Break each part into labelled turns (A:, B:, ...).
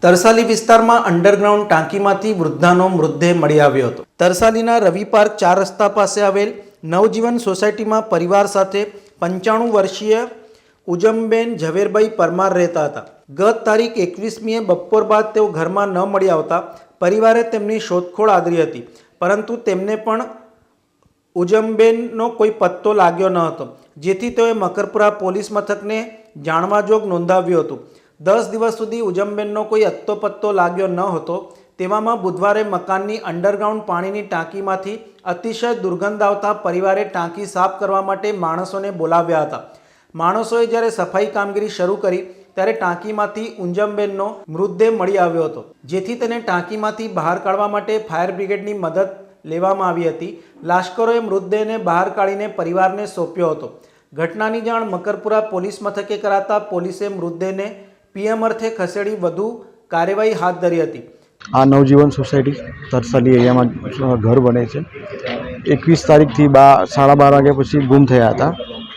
A: તરસાલી વિસ્તારમાં અંડરગ્રાઉન્ડ ટાંકીમાંથી વૃદ્ધાનો મૃતદેહ મળી આવ્યો હતો। તરસાલીના રવિ પાર્ક 4 રસ્તા પાસે આવેલ નવજીવન સોસાયટીમાં પરિવાર સાથે 95 વર્ષીય ઉજમબેન ઝવેરભાઈ પરમાર રહેતા હતા। ગત તારીખ 21મીએ બપોર બાદ તેઓ ઘરમાં ન મળી આવતા પરિવારે તેમની શોધખોળ આદરી હતી, પરંતુ તેમને પણ ઉજમબેનનો કોઈ પત્તો લાગ્યો ન હતો, જેથી તેઓએ મકરપુરા પોલીસ મથકને જાણવાજોગ નોંધાવ્યું હતું। 10 દિવસ સુધી ઉજમબેનનો કોઈ અત્તો પત્તો લાગ્યો ન હતો। તેવામાં બુધવારે મકાનની અંડરગ્રાઉન્ડ પાણીની ટાંકીમાંથી અતિશય દુર્ગંધ આવતા પરિવારે ટાંકી સાફ કરવા માટે માણસોને બોલાવ્યા હતા। માણસોએ જ્યારે સફાઈ કામગીરી શરૂ કરી ત્યારે ટાંકીમાંથી ઉજમબેનનો મૃતદેહ મળી આવ્યો હતો, જેથી તેને ટાંકીમાંથી બહાર કાઢવા માટે ફાયર બ્રિગેડની મદદ લેવામાં આવી હતી। લાશ્કરોએ મૃતદેહને બહાર કાઢીને પરિવારને સોંપ્યો હતો। ઘટનાની જાણ મકરપુરા પોલીસ મથકે કરાતા પોલીસે મૃતદેહને પીએમ અર્થે ખસેડી વધુ કાર્યવાહી હાથ ધરી હતી।
B: આ નવજીવન સોસાયટી તરસાલી એરિયામાં ઘર બને છે। 21 તારીખથી 12:30 વાગ્યા પછી ગુમ થયા હતા।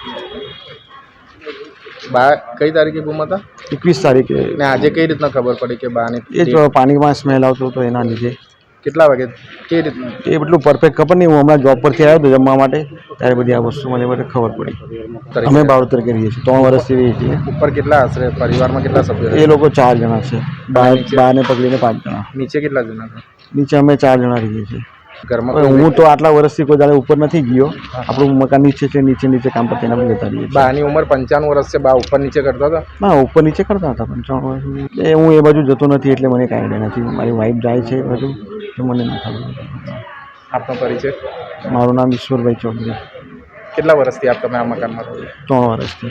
C: કઈ તારીખે ગુમ હતા?
B: 21 તારીખે।
C: ને આજે કઈ રીતના ખબર પડી કે બાને?
B: એ જ પાણીમાં સ્મેલ આવતો હતો એના લીધે।
C: કેટલા વાગે? કઈ રીતના?
B: એ એટલું પરફેક્ટ ખબર નહીં, હું હમણાં જોબ પરથી આવ્યો હતો જમવા માટે, ત્યારે બધી આ વસ્તુ મને બધે ખબર પડી। અમે બાવતર કરીએ છીએ, 3 વર્ષથી રહીએ છીએ।
C: ઉપર કેટલા આશરે પરિવારમાં કેટલા સભ્યો?
B: એ લોકો 4 જણા છે, બાને પકડીને 5 જણા।
C: નીચે કેટલા જણા હતા?
B: નીચે અમે 4 જણા રહીએ છીએ
C: ઘરમાં।
B: હું તો આટલા વર્ષથી કોઈ દાડે ઉપર નથી ગયો। આપણું મકાન નીચે છે, નીચે કામ પરથી આપણે જતા રહીએ છીએ।
C: બાની ઉંમર 95 વર્ષ છે, બા ઉપર નીચે કરતા હતા?
B: ના, ઉપર નીચે કરતા હતા 95 વર્ષ। એ હું એ બાજુ જતો નથી એટલે મને કાંઈ આઈડિયા નથી। મારી વાઈફ જાય છે એ બાજુ, તો મને ના ખબર।
C: આપનો પરિચય?
B: મારું નામ ઈશ્વરભાઈ ચૌધરી।
C: કેટલા વર્ષથી આપ તમે આ મકાનમાં રહો છો?
B: 3 વર્ષથી।